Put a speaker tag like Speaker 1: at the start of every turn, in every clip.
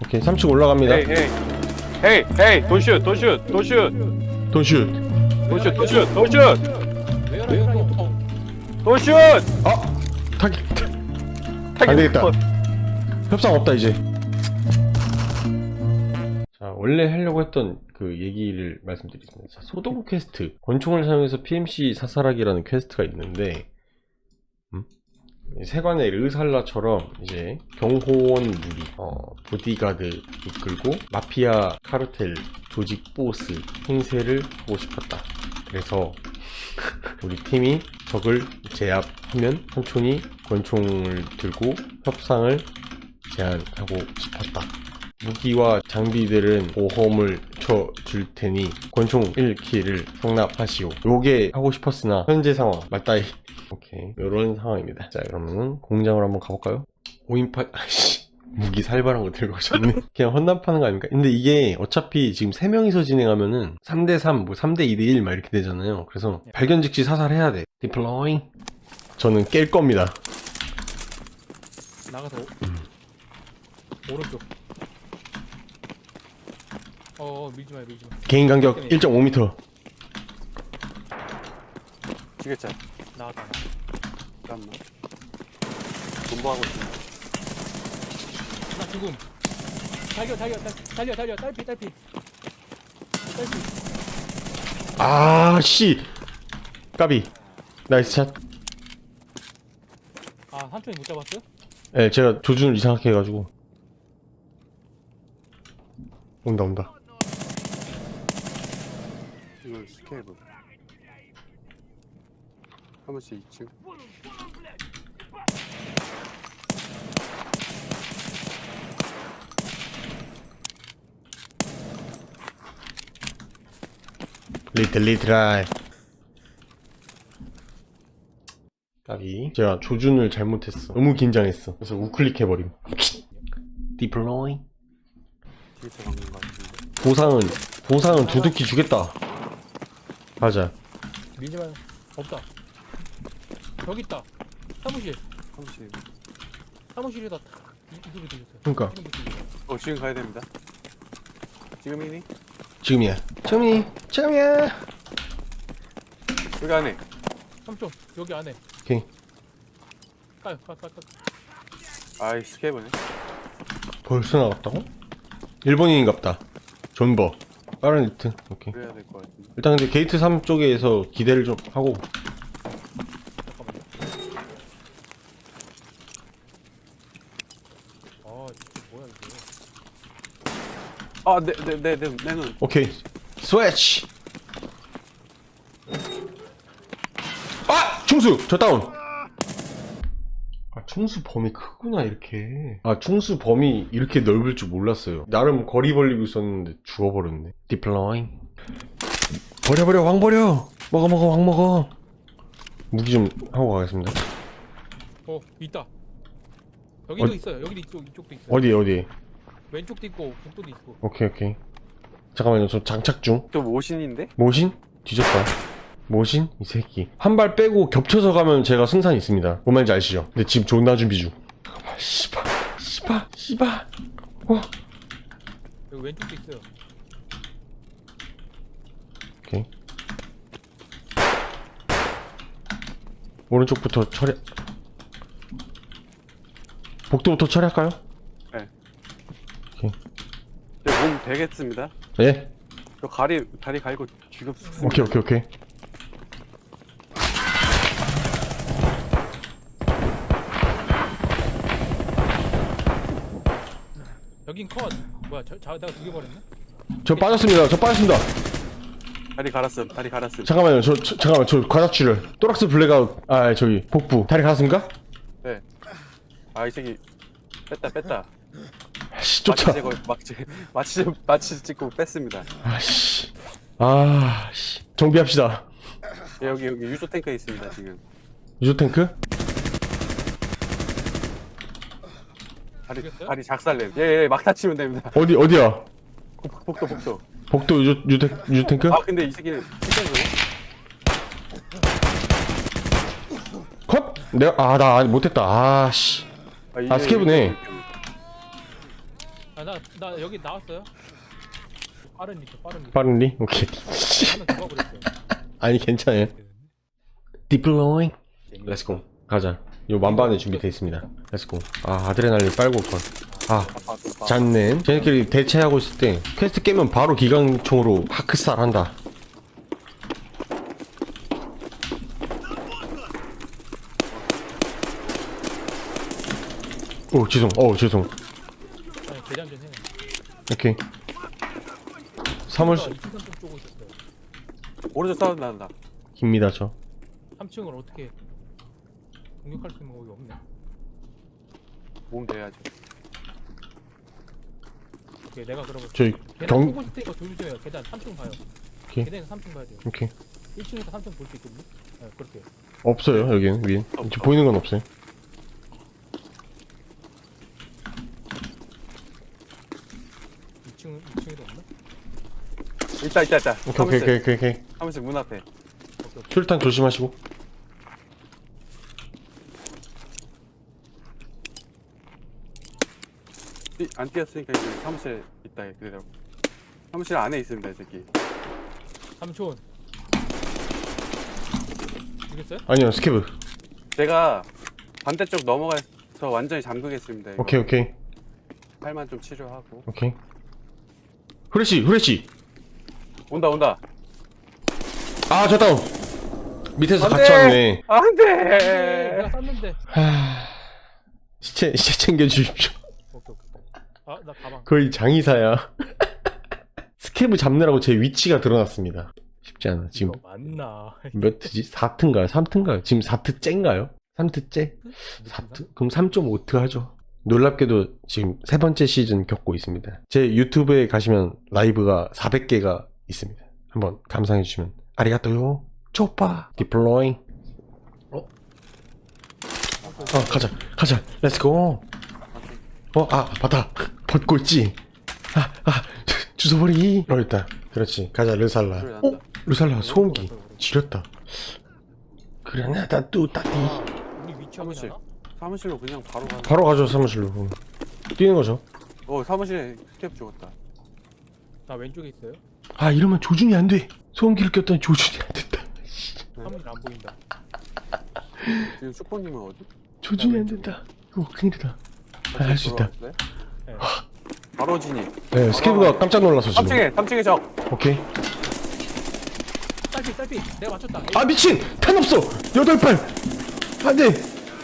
Speaker 1: 오케이 3층 올라갑니다.
Speaker 2: 헤이 돈슛
Speaker 1: 타기 안되겠다. 협상 없다 이제. 자, 원래 하려고 했던 그 얘기를 말씀드리겠습니다. 자, 소동 퀘스트, 권총을 사용해서 PMC 사살하기라는 퀘스트가 있는데, 세관의 르살라처럼 이제 경호원 무리, 보디가드 이끌고 마피아 카르텔 조직 보스 행세를 하고 싶었다. 그래서 우리 팀이 적을 제압하면 천천히 권총을 들고 협상을 제안하고 싶었다. 무기와 장비들은 보험을 쳐줄 테니 권총 1킬을 성납하시오. 요게 하고 싶었으나 현재 상황 맞다이. 오케이, 요런 상황입니다. 자, 그러면은 공장으로 한번 가볼까요? 5인파 아이씨, 무기 살벌한 거 들고 오셨네. 그냥 헌납하는 거 아닙니까? 근데 이게 어차피 지금 3명이서 진행하면은 3대3 뭐 3대2대1 막 이렇게 되잖아요. 그래서 발견 즉시 사살해야 돼. 디플로잉. 저는 깰 겁니다.
Speaker 3: 나가서 오른쪽. 밀지마.
Speaker 1: 개인 간격 1.5m.
Speaker 2: 죽였잖아.
Speaker 3: 나왔다.
Speaker 2: 잠깐만. 공부하고 있어.
Speaker 3: 나 죽음. 달려. 딸피.
Speaker 1: 아, 씨. 까비. 나이스 샷.
Speaker 3: 한쪽이 못 잡았어요?
Speaker 1: 네, 제가 조준을 이상하게 해가지고. 온다.
Speaker 2: 이걸 스케이블. 한 번씩 2층.
Speaker 1: 리틀라이. 까비. 제가 조준을 잘못했어. 너무 긴장했어. 그래서 우클릭 해버림. 디플로잉.
Speaker 2: 뒤에서 박는 거 같은데.
Speaker 1: 보상은 두둑히 주겠다. 가자.
Speaker 3: 밀지마. 없다. 저기 있다. 사무실. 사무실에다 이 소리 들렸어요.
Speaker 1: 그러니까
Speaker 2: 지금 가야 됩니다. 지금이니?
Speaker 1: 지금이야.
Speaker 2: 여기 안에.
Speaker 3: 삼촌 여기 안에.
Speaker 1: 오케이.
Speaker 3: 가.
Speaker 2: 아이 스케이블네.
Speaker 1: 벌써 나갔다고? 일본인인갑다. 존버. 빠른 리트. 오케이.
Speaker 2: 그래야 될 것 같은데.
Speaker 1: 일단 근데 게이트 3 쪽에서 기대를 좀 하고.
Speaker 3: 잠깐만요. 진짜 뭐야 이게.
Speaker 2: 내 눈.
Speaker 1: 오케이. 스위치. 충수! 저 다운! 충수 범위 크구나 이렇게. 충수 범위 이렇게 넓을 줄 몰랐어요. 나름 거리 벌리고 있었는데 죽어버렸네. 디플로잉. 버려 왕 버려. 먹어 왕 먹어. 무기 좀 하고 가겠습니다.
Speaker 3: 있다. 여기도 있어요. 여기도 이쪽도 있어요.
Speaker 1: 어디?
Speaker 3: 왼쪽도 있고 북도도 있고.
Speaker 1: 오케이. 잠깐만요, 저 장착 중.
Speaker 2: 또 모신인데?
Speaker 1: 모신? 뒤졌다. 모신? 이 새끼. 한 발 빼고 겹쳐서 가면 제가 승산이 있습니다. 뭔 말인지 아시죠? 근데 지금 존나 준비 중. 잠깐만, 씨발.
Speaker 3: 여기 왼쪽도 있어요.
Speaker 1: 오케이. 오른쪽부터 처리. 복도부터 처리할까요?
Speaker 2: 네.
Speaker 1: 오케이.
Speaker 2: 몸 되겠습니다.
Speaker 1: 예?
Speaker 2: 저 다리 갈고 죽였습니다.
Speaker 1: 오케이.
Speaker 3: 여긴 컷. 뭐야? 내가 죽여버렸네?
Speaker 1: 저 빠졌습니다.
Speaker 2: 다리 갈았음.
Speaker 1: 잠깐만요, 저 과다출혈. 또락스 블랙아웃. 저기 복부. 다리 갈았습니까?
Speaker 2: 네. 이 새끼 뺐다.
Speaker 1: 씨, 쫓아.
Speaker 2: 마취 찍고 뺐습니다.
Speaker 1: 씨. 정비합시다.
Speaker 2: 여기 유조 탱크에 있습니다 지금.
Speaker 1: 유조 탱크?
Speaker 2: 다리 작살냄. 예, 막 다치면 됩니다.
Speaker 1: 어디야?
Speaker 2: 복도.
Speaker 1: 복도 유조 탱크?
Speaker 2: 근데 이 새끼는
Speaker 1: 컷? 나 못했다. 씨. 스케브네.
Speaker 3: 나 여기 나왔어요. 빠른 리트.
Speaker 1: 빠른리? 오케이.
Speaker 3: 하면 죽어버렸어요.
Speaker 1: 아니 괜찮아요. 디플로잉. 렛츠고 가자. 요 만반에 준비되어 있습니다. 렛츠고. 아 아드레날린 빨고 올걸. 아 잔넨 쟤네끼리 대체하고 있을 때 퀘스트 깨면 바로 기관총으로 하크살 한다. 오 죄송. 죄송.
Speaker 3: 아니 대장 좀 해.
Speaker 1: 오케이. 사물실
Speaker 3: 2층 쪽 쪼고 있었어요.
Speaker 2: 오른쪽 사운드 난다.
Speaker 1: 입니다 저.
Speaker 3: 3층을 어떻게 공격할 수 있는 거기 없네.
Speaker 2: 몸 돼야지.
Speaker 3: 오케이 내가 그러면
Speaker 1: 저희
Speaker 3: 계단
Speaker 1: 경
Speaker 3: 보고 있을 테니까 조심해요. 계단 3층 봐요.
Speaker 1: 오케이.
Speaker 3: 계단에서 3층 봐야 돼요.
Speaker 1: 오케이.
Speaker 3: 1층에서 3층 볼 수 있거든요. 네, 그렇게.
Speaker 1: 없어요 여기는 위에. 지금 보이는 건 없어요.
Speaker 3: 2층에도 없나?
Speaker 2: 있다.
Speaker 1: 오케이.
Speaker 2: 사무실 문 앞에.
Speaker 1: 출탄 조심하시고.
Speaker 2: 안 뛰었으니까 이제 사무실 있다 그대로. 사무실 안에 있습니다 이 새끼.
Speaker 3: 삼촌. 죽였어요?
Speaker 1: 아니요 스케브.
Speaker 2: 제가 반대쪽 넘어가서 완전히 잠그겠습니다. 이거.
Speaker 1: 오케이.
Speaker 2: 팔만 좀 치료하고.
Speaker 1: 오케이. 후레쉬.
Speaker 2: 온다.
Speaker 1: 아, 저 다운. 밑에서
Speaker 2: 안
Speaker 1: 같이
Speaker 2: 돼!
Speaker 1: 왔네.
Speaker 2: 안돼.
Speaker 3: 내가 쐈는데.
Speaker 1: 시체 챙겨 주십시오.
Speaker 3: 오케이. 아, 나 가방.
Speaker 1: 거의 장의사야. 스케브 잡느라고 제 위치가 드러났습니다. 쉽지 않아. 지금
Speaker 3: 이거 맞나?
Speaker 1: 몇 트지? 4트인가요? 3트인가요? 지금 4트째인가요? 3트째? 4트? 그럼 3.5트 하죠. 놀랍게도 지금 세 번째 시즌 겪고 있습니다. 제 유튜브에 가시면 라이브가 400개가 있습니다. 한번 감상해 주시면 아리가또요. 쪼빠. 디플로잉. 가자. 렛츠고. 맞다. 벗고 있지. 주워버리. 있다. 그렇지. 가자, 르살라.
Speaker 2: 소리 난다.
Speaker 1: 르살라, 소음기. 지렸다. 그라나다 뚜따띠.
Speaker 3: 우리 위치
Speaker 2: 사무실.
Speaker 3: 확인하나?
Speaker 2: 사무실로 그냥 바로 가.
Speaker 1: 바로 가죠, 사무실로. 뛰는 거죠.
Speaker 2: 사무실에 스텝 죽었다.
Speaker 3: 나 왼쪽에 있어요.
Speaker 1: 아, 이러면 조준이 안 돼. 소음기를 꼈더니 조준이 안 된다.
Speaker 3: 사무실 안 보인다.
Speaker 2: 지금 슈퍼님은 어디?
Speaker 1: 조준이 안 된다. 큰일이다. 할 수 있다.
Speaker 2: 들어왔어요?
Speaker 3: 네.
Speaker 2: 바로 진입.
Speaker 1: 네, 스케브가 깜짝 놀라서 지금.
Speaker 2: 3층에 적.
Speaker 1: 오케이.
Speaker 3: 딸피. 내가 맞췄다.
Speaker 1: 아, 미친! 탄 없어! 8발! 안 돼!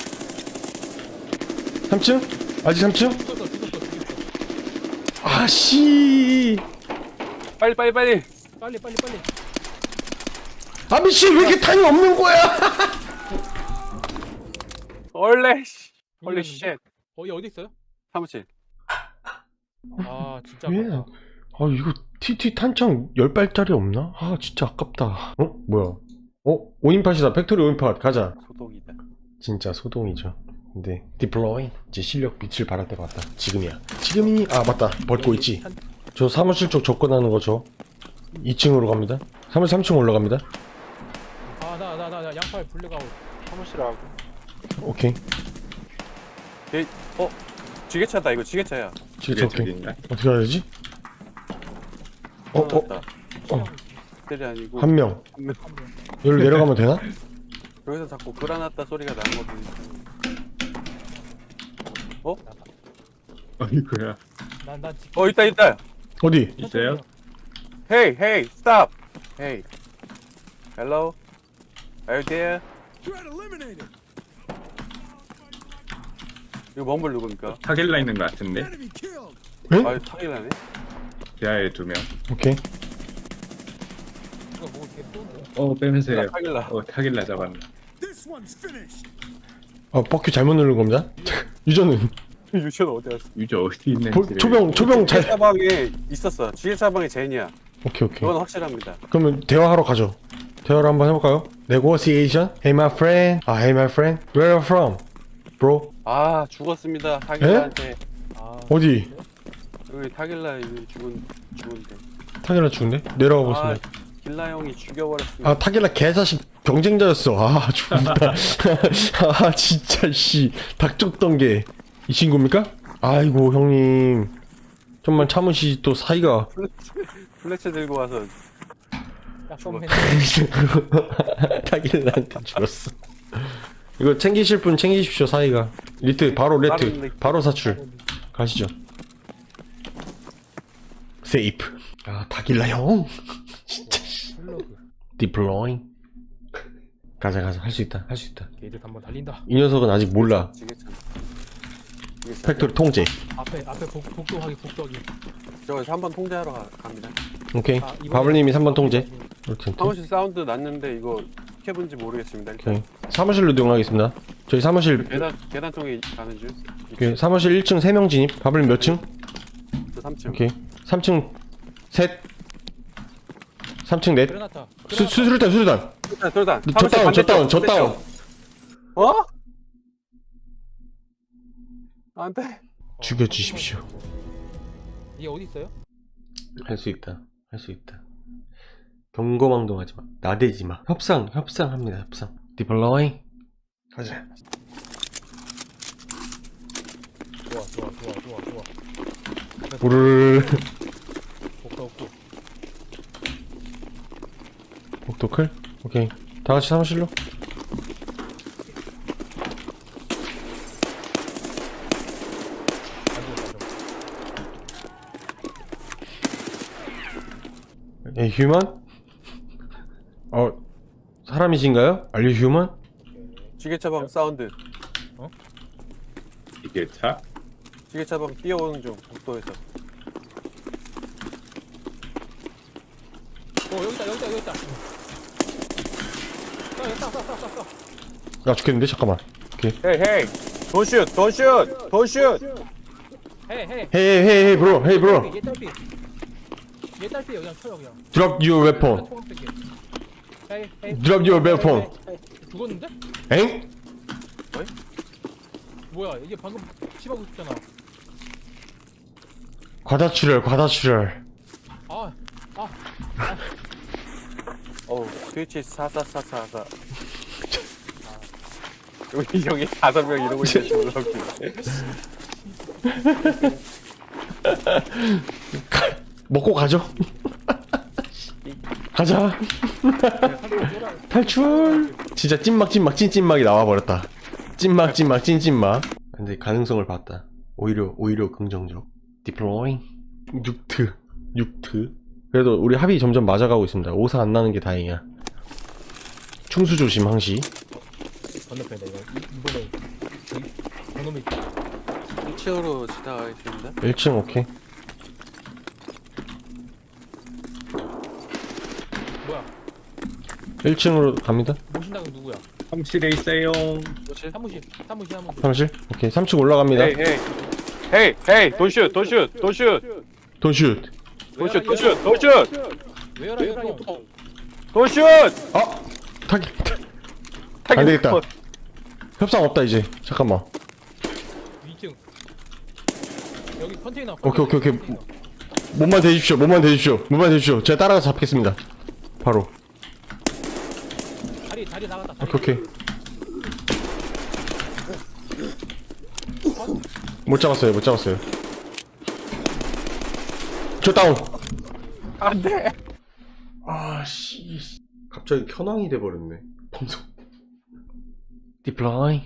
Speaker 1: 3층? 아직 3층?
Speaker 3: 죽었어.
Speaker 1: 아, 씨!
Speaker 2: 빨리.
Speaker 3: 빨리.
Speaker 1: 아, 미친! 왜 이렇게 탄이 없는 거야!
Speaker 2: 얼레 씨. 홀리
Speaker 3: 이겼는데?
Speaker 2: 쉣.
Speaker 3: 어디 있어요?
Speaker 2: 사무실.
Speaker 3: 아, 진짜
Speaker 1: 왜?
Speaker 3: 아깝다.
Speaker 1: 아, 이거 TT 탄창 10발짜리 없나? 아, 진짜 아깝다. 뭐야? 5인팟이다. 팩토리 5인팟. 가자.
Speaker 2: 소독이다.
Speaker 1: 진짜 소동이죠. 근데 디플로잉 이제 실력 빛을 발할 때가 왔다. 지금이야. 지금이 맞다. 벗고 있지. 저 사무실 쪽 접근하는 거죠. 2층으로 갑니다. 사무실 3층 올라갑니다.
Speaker 3: 나 양팔 블랙아웃.
Speaker 2: 사무실하고.
Speaker 1: 오케이.
Speaker 2: 지게차다 이거 지게차야.
Speaker 1: 지금 오케이. 어떻게 해야 되지?
Speaker 2: 때리 아니고.
Speaker 1: 한 명.
Speaker 2: 한 명.
Speaker 1: 여기로 내려가면 되나?
Speaker 2: 여기서 자꾸 그라나타 소리가 나는 거 보니까.
Speaker 4: 어이구야.
Speaker 3: 난 지금
Speaker 2: 있다.
Speaker 1: 어디?
Speaker 4: 있어요?
Speaker 2: Hey, stop. Hey. Hello. Are you there? 이거 뭔물 누굽니까?
Speaker 4: 타길라 있는 것 같은데?
Speaker 1: 응?
Speaker 2: 타길라네.
Speaker 4: 대하에 2명.
Speaker 1: 오케이.
Speaker 3: 이거 뭐 이렇게 또
Speaker 4: 빼면서요.
Speaker 2: 타길라.
Speaker 4: 타길라 잡았네.
Speaker 1: 버큐 잘못 누른 겁니다. 유저는
Speaker 2: 유치원 어디 갔어?
Speaker 4: 유저 어디 있는지.
Speaker 1: 초병 잘.
Speaker 2: 지게차방에 있었어. 지게차방에 제니야.
Speaker 1: 오케이.
Speaker 2: 그건 확실합니다.
Speaker 1: 그러면 대화하러 가죠. 대화를 한번 해볼까요? Negotiation. Hey my friend. Hey my friend. Where are you from, bro?
Speaker 2: 아 죽었습니다. 타길라한테.
Speaker 1: 어디?
Speaker 2: 여기 타길라 여기 죽은데.
Speaker 1: 타길라 죽은데? 내려가 보겠습니다.
Speaker 2: 길라 형이 죽여버렸습니다.
Speaker 1: 아 타길라 개자식 경쟁자였어. 아 죽는다. 아 진짜 씨 닭 쫓던 게 이 친구입니까? 아이고 형님 좀만 참으시. 또 사이가
Speaker 2: 플래치 들고 와서
Speaker 3: 약속맨.
Speaker 1: 타길라한테 죽었어. 이거 챙기실 분 챙기십시오. 사이가 리트 바로 레트 바로 사출 가시죠. 세이프. 아 타길라 형 진짜.
Speaker 3: 슬로그.
Speaker 1: 디플로잉. 가자 할 수 있다.
Speaker 3: 게이드 한번 달린다.
Speaker 1: 이 녀석은 아직 몰라.
Speaker 2: 지게차.
Speaker 1: 팩토리 통제.
Speaker 3: 앞에 복도하기.
Speaker 2: 저기서 한번 통제하러 갑니다.
Speaker 1: 오케이.
Speaker 3: 아, 이번에-
Speaker 1: 바블님이 3번 통제. 이렇게.
Speaker 2: 사무실 사운드 났는데 이거 캡은지 모르겠습니다. 일단
Speaker 1: 오케이. 사무실로 이동하겠습니다. 저희 사무실
Speaker 2: 계단 쪽에 가는 중.
Speaker 1: 오케이. 사무실 1층 3명 진입. 바블님 몇 층?
Speaker 2: 저 3층.
Speaker 1: 오케이. 3층 셋. 3층 넷.
Speaker 3: 그레나타.
Speaker 1: 수류탄.
Speaker 2: 돌단.
Speaker 1: 저 다운.
Speaker 2: 어? 안 돼.
Speaker 1: 죽여주십시오.
Speaker 3: 얘 어디 있어요?
Speaker 1: 할 수 있다. 경거망동하지 마. 나대지 마. 협상합니다. 디플로잉. 가자.
Speaker 3: 좋아.
Speaker 1: 불을
Speaker 3: 복도.
Speaker 1: 복도클. 오케이. 다 같이 사무실로. 에 휴먼? 사람이신가요? Are you human?
Speaker 2: 지게차방 사운드.
Speaker 4: 이게 차?
Speaker 2: 지게차방 뛰어오는 중. 복도에서.
Speaker 3: 여기다. 여기다.
Speaker 1: 나 죽겠는데? 잠깐만.
Speaker 2: 헤이. 돈슛.
Speaker 3: 헤이.
Speaker 1: 헤이 브로.
Speaker 3: 얘 딸피 그냥 쳐요 그냥.
Speaker 1: Drop your weapon.
Speaker 3: 헤이.
Speaker 1: Drop your weapon.
Speaker 3: 죽었는데?
Speaker 1: 엥?
Speaker 3: 뭐야 이게 방금 치하고 있었잖아.
Speaker 1: 과다출혈.
Speaker 2: 트위치 4444. 우리 형이 5명 이러고 있는지 몰랐길래.
Speaker 1: 먹고 가죠. 가자. 탈출. 진짜 찐찐막이 나와버렸다. 찐찐막. 근데 가능성을 봤다. 오히려 긍정적. 디플로잉. 6트. 그래도 우리 합이 점점 맞아가고 있습니다. 오사 안 나는 게 다행이야. 충수 조심 항시.
Speaker 3: 건너편이다 이거. 이번에 저놈이
Speaker 2: 1층으로 지나가겠습니다.
Speaker 1: 1층 오케이.
Speaker 3: 뭐야?
Speaker 1: 1층으로 갑니다.
Speaker 3: 모신다고 누구야?
Speaker 4: 사무실에 있어요.
Speaker 2: 뭐지?
Speaker 3: 사무실.
Speaker 1: 사무실. 오케이. 3층 올라갑니다.
Speaker 2: 헤이. 돈슛.
Speaker 1: 돈슛.
Speaker 3: 왜열아 이거?
Speaker 2: 돈슛.
Speaker 1: 아! 안 되겠다. 협상 없다 이제. 잠깐만.
Speaker 3: 2층. 여기 컨테이너.
Speaker 1: 오케이.
Speaker 3: 컨테이너.
Speaker 1: 몸만 대주십시오. 제가 따라가서 잡겠습니다. 바로.
Speaker 3: 다리 나갔다.
Speaker 1: 오케이. 못 잡았어요. 저 다운.
Speaker 2: 안 돼.
Speaker 1: 아씨. 갑자기 현황이 돼버렸네. 방송. 디플라이.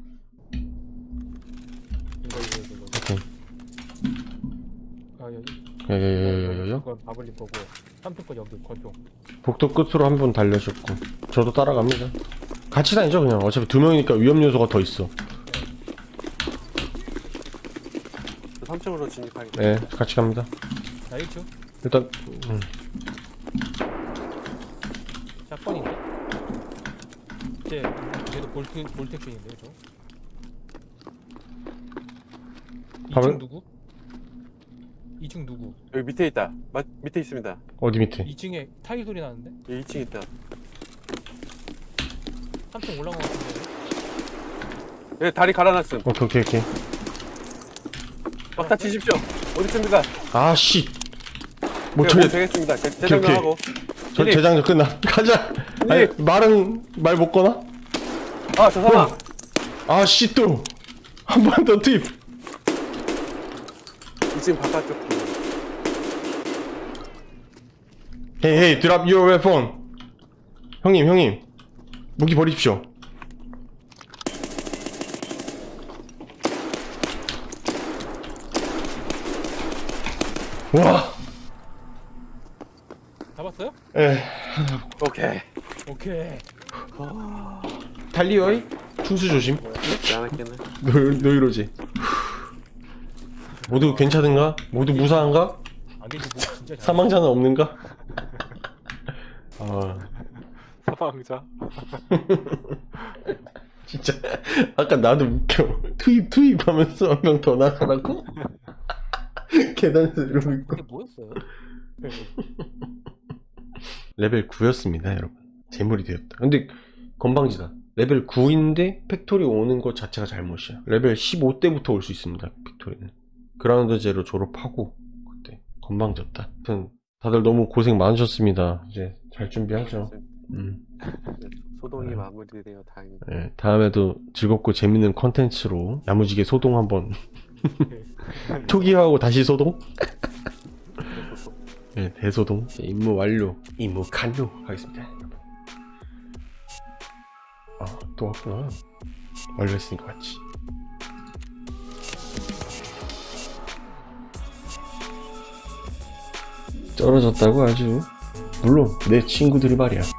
Speaker 3: 이거.
Speaker 1: 오케이.
Speaker 3: 아 여기.
Speaker 1: 여여여여여.
Speaker 3: 그건 바블린 거고. 3층 거 여기 건조.
Speaker 1: 복도 끝으로 한 분 달려줬고. 저도 따라갑니다. 같이 다니죠 그냥. 어차피 2명이니까 위험 요소가 더 있어.
Speaker 2: 3층으로 진입하겠다.
Speaker 1: 네, 같이 갑니다.
Speaker 3: 나 1층.
Speaker 1: 일단
Speaker 3: 샷건인데. 얘도 볼텍션인데 저.
Speaker 1: 밥을?
Speaker 3: 2층 누구? 2층 누구?
Speaker 2: 여기 밑에 있다. 밑에 있습니다.
Speaker 1: 어디 밑에?
Speaker 3: 2층에 타일 소리 나는데?
Speaker 2: 여기 2층 있다.
Speaker 3: 3층 올라간 것 같은데.
Speaker 2: 여기 다리 갈아놨음.
Speaker 1: 오케이.
Speaker 2: 막다 치십시오. 어디 있습니까?
Speaker 1: 아씨. 못
Speaker 2: 네,
Speaker 1: 쳐겠.
Speaker 2: 되겠습니다. 재정하고.
Speaker 1: 저 재장전 끝나. 가자. 아니 말은 말 못 거나?
Speaker 2: 저 사람.
Speaker 1: 아씨 또 한 번 더 투입.
Speaker 2: 2층 바깥쪽.
Speaker 1: Hey, hey, drop your weapon. 형님, 무기 버리십시오. 와,
Speaker 3: 잡았어요?
Speaker 1: 에,
Speaker 2: 오케이.
Speaker 3: 오케이.
Speaker 1: 달리어이 충수 조심.
Speaker 2: 안 할게네.
Speaker 1: 너 이러지. 모두 괜찮은가? 모두 무사한가?
Speaker 3: 안 되지 뭐 진짜 잘.
Speaker 1: 사망자는 없는가? 아,
Speaker 2: 사망자.
Speaker 1: 진짜 아까 나도 웃겨. 투입 하면서 한 명 더 나가라고? 계단에서 이러고 있고.
Speaker 3: 이게 뭐였어요?
Speaker 1: 레벨 9였습니다, 여러분. 재물이 되었다. 근데 건방지다. 레벨 9인데 팩토리 오는 것 자체가 잘못이야. 레벨 15때부터 올 수 있습니다, 팩토리는. 그라운드 제로 졸업하고 그때 건방졌다. 아무튼 다들 너무 고생 많으셨습니다. 이제 잘 준비하죠.
Speaker 2: 소동이 마무리되어 다행이다.
Speaker 1: 네, 다음에도 즐겁고 재밌는 컨텐츠로 야무지게 소동 한번 초기화하고 다시 소동? 네, 대소동. 이제 임무 완료. 임무 완료 하겠습니다. 아, 또 왔구나. 완료했으니까 맞지. 떨어졌다고 아주. 물론 내 친구들이 말이야.